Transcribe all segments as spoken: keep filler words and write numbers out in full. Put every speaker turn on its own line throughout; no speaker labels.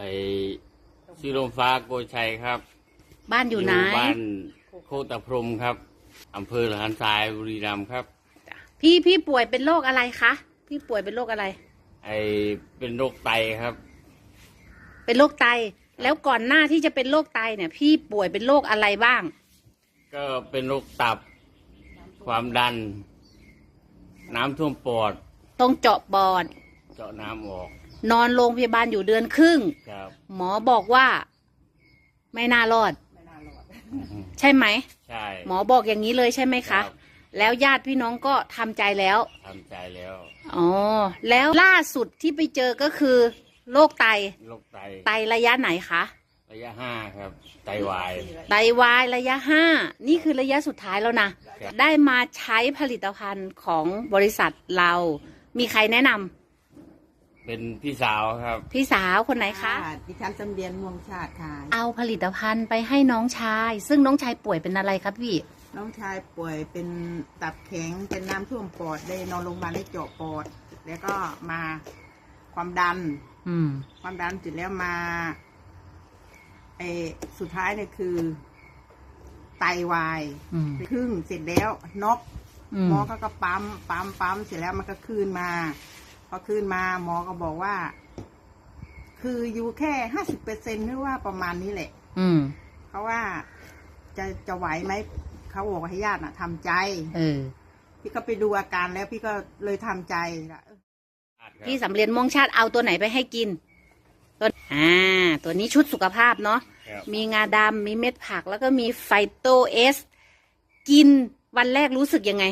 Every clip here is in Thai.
อ้ชื่อลมฟ้าโกชัยครับ
บ้านอยู่ไหน
บ้านโคตรพรมครับอำเภอหลานทรายบุรีรัมย์ครับ
พี่พี่ป่วยเป็นโรคอะไรคะพี่ป่วยเป็นโรคอะไร
ไอเป็นโรคไตครับ
เป็นโรคไตแล้วก่อนหน้าที่จะเป็นโรคไตเนี่ย พี่ป่วยเป็นโรคอะไรบ้าง
ก็เป็นโรคตับความดันน้ำท่วมปอด
ต้องเจาะปอด
เจาะน้ำออก
นอนโรงพยาบาลอยู่เดือนครึ่งหมอบอกว่าไม่น่ารอดใช่ไหม
ใช่
หมอบอกอย่างนี้เลยใช่ไหมคะแล้วญาติพี่น้องก็ทำใจแล้ว
ทำใจแล้ว
อ๋อแล้วล่าสุดที่ไปเจอก็คือโรคไต
โรคไต
ไตระยะไหนคะ
ระยะห้าครับไตวาย
ไตวายระยะห้านี่คือระยะสุดท้ายแล้วนะได้มาใช้ผลิตภัณฑ์ของบริษัทเรามีใครแนะนำ
เป็นพี่สาวครับ
พี่สาวคนไหนคะ
ดิฉันจำเรียนม่วงชาติค่ะ
เอาผลิตภัณฑ์ไปให้น้องชายซึ่งน้องชายป่วยเป็นอะไรครับพี่
น้องชายป่วยเป็นตับแข็งเป็นน้ำท่วมปอดได้นอนโรงพยาบาลได้เจาะปอดแล้วก็มาความดัน
อืม
ความดันเสร็จแล้วมาไอสุดท้ายเนี่ยคือไตวายครึ่งเสร็จแล้วน็อกหมอก็ก็ปั๊มปั๊มปั๊มเสร็จแล้วมันก็คืนมาพอคืนมาหมอก็บอกว่าคืออยู่แค่ห้าสิบเปอร์เซ็นต์หรือว่าประมาณนี้แหละ
อืม
เพราะว่าจะจะไหวไหมเขาบอกว่าให้ญาติน่ะทำใจ
เออ
พี่ก็ไปดูอาการแล้วพี่ก็เลยทำใจละ
พี่สำเร็จม่วงชาติเอาตัวไหนไปให้กินตัวอ่าตัวนี้ชุดสุขภาพเนาะมีงาดำมีเม็ดผักแล้วก็มีไฟโตเอสกินวันแรกรู้สึกยังไง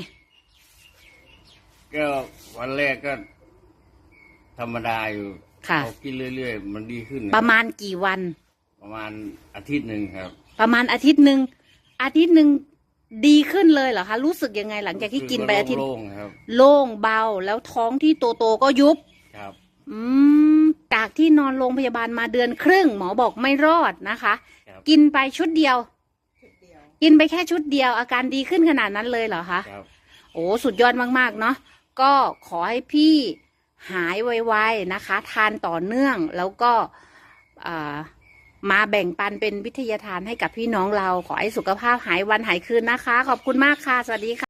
ก็วันแรกก็ธรรมดาอยู่
ค่ะ
กินเรื่อยๆมันดีขึ้น
ประมาณกี่วัน
ประมาณอาทิตย์หนึ่งครับ
ประมาณอาทิตย์หนึ่งอาทิตย์หนึ่งดีขึ้นเลยเหรอคะรู้สึกยังไงหลังจากที่กินไปอาทิตย์
โล่งครับ
โล่งเบาแล้วท้องที่โตโตก็ยุบ
ครับ
อืมจากที่นอนโรงพยาบาลมาเดือนครึ่งหมอบอกไม่รอดนะคะกินไปชุดเดียวกินไปแค่ชุดเดียวอาการดีขึ้นขนาดนั้นเลยเหรอคะ
ครับ
โอ้สุดยอดมากๆเนาะก็ขอให้พี่หายไวๆนะคะทานต่อเนื่องแล้วก็มาแบ่งปันเป็นวิทยาทานให้กับพี่น้องเราขอให้สุขภาพหายวันหายคืนนะคะขอบคุณมากค่ะสวัสดีค่ะ